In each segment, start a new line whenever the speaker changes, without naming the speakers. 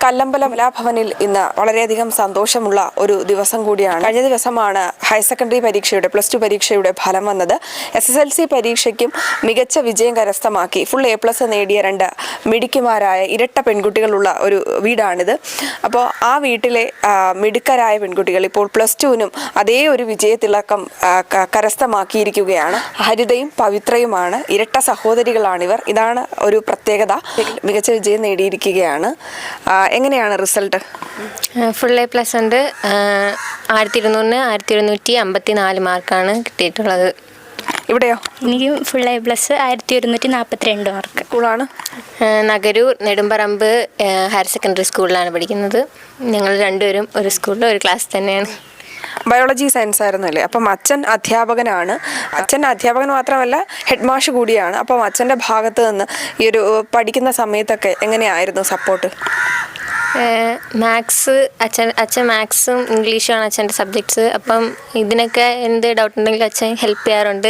കല്ലമ്പലം കലാഭവനിൽ ഇന്ന് വളരെയധികം സന്തോഷമുള്ള ഒരു ദിവസം കൂടിയാണ്. കഴിഞ്ഞ ദിവസമാണ് ഹയർ സെക്കൻഡറി പരീക്ഷയുടെ +2 പരീക്ഷയുടെ ഫലം വന്നത്. SSLC പരീക്ഷയ്ക്കും മികച്ച വിജയം കരസ്ഥമാക്കി ഫുൾ A+ നേടിയ 2 മിടുക്കിമാരായ ഇരട്ട പെൺകുട്ടികളുള്ള ഒരു വീടാണിത്. അപ്പോൾ ആ വീട്ടിലെ മിടുക്കരായ പെൺകുട്ടികൾ ഇപ്പോൾ +2നും അതേ ഒരു വിജയത്തിളക്കം കരസ്ഥമാക്കിയിരിക്കുകയാണ്. ഹരിതയും പവിത്രയുമാണ്, ഇരട്ട സഹോദരികളാണിവർ. ഇതാണ് ഒരു പ്രത്യേകത. മികച്ച വിജയം നേടിയിരിക്കുകയാണ്. എങ്ങനെയാണ് റിസൾട്ട്?
ഫുൾ A+ ഉണ്ട്. 1200-ന് 1254 മാർക്കാണ് കിട്ടിയിട്ടുള്ളത്.
ഇവിടെയോ?
എനിക്ക് ഫുൾ A+ 1142 മാർക്ക്.
സ്കൂളാണ്
നഗരൂർ നെടുമ്പറമ്പ് ഹയർ സെക്കൻഡറി സ്കൂളിലാണ് പഠിക്കുന്നത്. ഞങ്ങൾ രണ്ടുപേരും ഒരു സ്കൂളിൽ ഒരു ക്ലാസ് തന്നെയാണ്.
ബയോളജി സയൻസ് ആയിരുന്നു അല്ലേ? അപ്പം അച്ഛൻ അധ്യാപകനാണ്. അച്ഛൻ അധ്യാപകൻ മാത്രമല്ല, ഹെഡ് മാഷ് കൂടിയാണ്. അപ്പം അച്ഛൻ്റെ ഭാഗത്ത് നിന്ന് ഈ ഒരു പഠിക്കുന്ന സമയത്തൊക്കെ എങ്ങനെയായിരുന്നു സപ്പോർട്ട്?
മാത്സ് അച്ഛൻ മാത്സും ഇംഗ്ലീഷുമാണ് അച്ഛൻ്റെ സബ്ജക്ട്സ്. അപ്പം ഇതിനൊക്കെ എന്ത് ഡൗട്ട് ഉണ്ടെങ്കിലും അച്ഛൻ ഹെൽപ്പ് ചെയ്യാറുണ്ട്.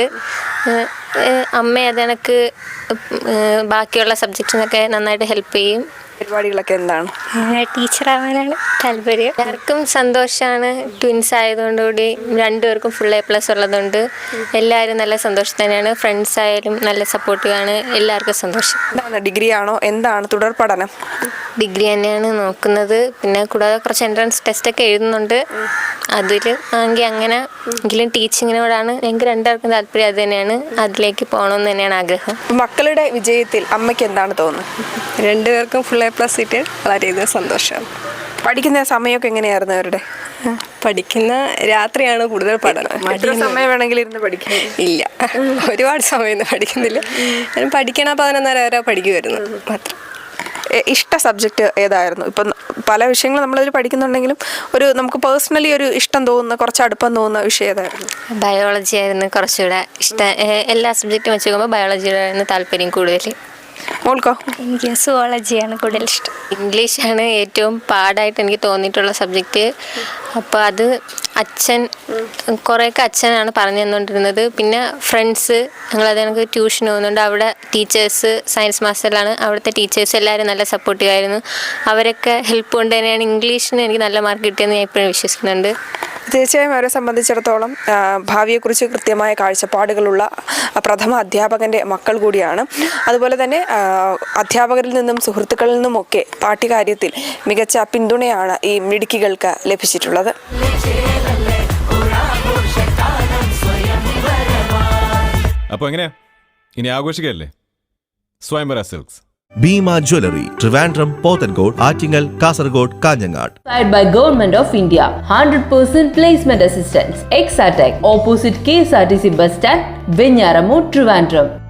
അമ്മ അതെനിക്ക് ബാക്കിയുള്ള സബ്ജക്ട്സിനൊക്കെ നന്നായിട്ട് ഹെൽപ്പ് ചെയ്യും.
പരിപാടികളൊക്കെ എന്താണ്?
ടീച്ചറാവാനാണ് താല്പര്യം.
എല്ലാവർക്കും സന്തോഷമാണ്. ട്വിൻസ് ആയതുകൊണ്ടുകൂടി രണ്ടുപേർക്കും ഫുൾ A+ ഉള്ളതുകൊണ്ട് എല്ലാവരും നല്ല സന്തോഷം തന്നെയാണ്. ഫ്രണ്ട്സ് ആയാലും നല്ല സപ്പോർട്ടീവാണ്. എല്ലാവർക്കും സന്തോഷം.
എന്താണ്, ഡിഗ്രി ആണോ? എന്താണ് തുടർ പഠനം?
ഡിഗ്രി തന്നെയാണ് നോക്കുന്നത്. പിന്നെ കൂടാതെ കുറച്ച് എൻട്രൻസ് ടെസ്റ്റൊക്കെ എഴുതുന്നുണ്ട്. അതിൽ ആണെങ്കിൽ അങ്ങനെ എങ്കിലും ടീച്ചിങ്ങിനോടാണ് ഞങ്ങൾക്ക് രണ്ടുപേർക്കും താല്പര്യം. അത് തന്നെയാണ്, അതിലേക്ക് പോകണമെന്ന് തന്നെയാണ് ആഗ്രഹം.
മക്കളുടെ വിജയത്തിൽ അമ്മയ്ക്ക് എന്താണ് തോന്നുന്നത്?
രണ്ടുപേർക്കും ഫുൾ A+ കിട്ടിയാൽ വളരെയധികം സന്തോഷമാണ്.
പഠിക്കുന്ന സമയമൊക്കെ എങ്ങനെയായിരുന്നു അവരുടെ?
പഠിക്കുന്ന രാത്രിയാണ് കൂടുതൽ പഠനം.
എത്ര സമയം വേണമെങ്കിലും ഇരുന്ന് പഠിക്കും?
ഇല്ല, ഒരുപാട് സമയമൊന്നും പഠിക്കുന്നില്ല. ഞാൻ പഠിക്കണ 11:30 വരെ പഠിക്കുമായിരുന്നു മാത്രം.
ഇഷ്ട സബ്ജക്റ്റ് ഏതായിരുന്നു? ഇപ്പം പല വിഷയങ്ങൾ നമ്മളതിൽ പഠിക്കുന്നുണ്ടെങ്കിലും ഒരു നമുക്ക് പേഴ്സണലി ഒരു ഇഷ്ടം തോന്നുന്ന, കുറച്ച് അടുപ്പം തോന്നുന്ന വിഷയം ഏതായിരുന്നു?
ബയോളജി ആയിരുന്നു കുറച്ചുകൂടെ ഇഷ്ടം. എല്ലാ സബ്ജക്റ്റും വെച്ച് നോക്കുമ്പോൾ ബയോളജിയോടായിരുന്നു താല്പര്യം കൂടുതൽ.
മോൾക്കോ?
എനിക്ക് സുവോളജിയാണ് കൂടുതൽ ഇഷ്ടം.
ഇംഗ്ലീഷാണ് ഏറ്റവും പാടായിട്ട് എനിക്ക് തോന്നിയിട്ടുള്ള സബ്ജക്റ്റ്. അപ്പോൾ അത് കുറേയൊക്കെ അച്ഛനാണ് പറഞ്ഞു തന്നുകൊണ്ടിരുന്നത്. പിന്നെ ഫ്രണ്ട്സ്, ഞങ്ങളത് എനിക്ക് ട്യൂഷൻ പോകുന്നുണ്ട്. അവിടെ ടീച്ചേഴ്സ്, സയൻസ് മാസ്റ്ററിലാണ്. അവിടുത്തെ ടീച്ചേഴ്സ് എല്ലാവരും നല്ല സപ്പോർട്ടീവായിരുന്നു. അവരൊക്കെ ഹെൽപ്പ് കൊണ്ട് തന്നെയാണ് ഇംഗ്ലീഷിന് എനിക്ക് നല്ല മാർക്ക് കിട്ടിയെന്ന് ഞാൻ എപ്പോഴും വിശ്വസിക്കുന്നുണ്ട്.
തീർച്ചയായും അവരെ സംബന്ധിച്ചിടത്തോളം ഭാവിയെക്കുറിച്ച് കൃത്യമായ കാഴ്ചപ്പാടുകളുള്ള പ്രഥമ അധ്യാപകൻ്റെ മക്കൾ കൂടിയാണ്. അതുപോലെ തന്നെ അധ്യാപകരിൽ നിന്നും സുഹൃത്തുക്കളിൽ നിന്നുമൊക്കെ പാഠ്യകാര്യത്തിൽ മികച്ച പിന്തുണയാണ് ഈ മിടുക്കികൾക്ക് ലഭിച്ചിട്ടുള്ളത്.
അപ്പോൾ എങ്ങനെയാ ഇനി ആഘോഷിക്കല്ലേ? Swayamvara silks,
Bima Jewelry, Trivandrum, Pothencourt, Attingal, Kasaragod, Kanjangad.
By Government of India, 100% placement assistance. Exatech, opposite KSRTC bus stand, Venyaramu, Trivandrum.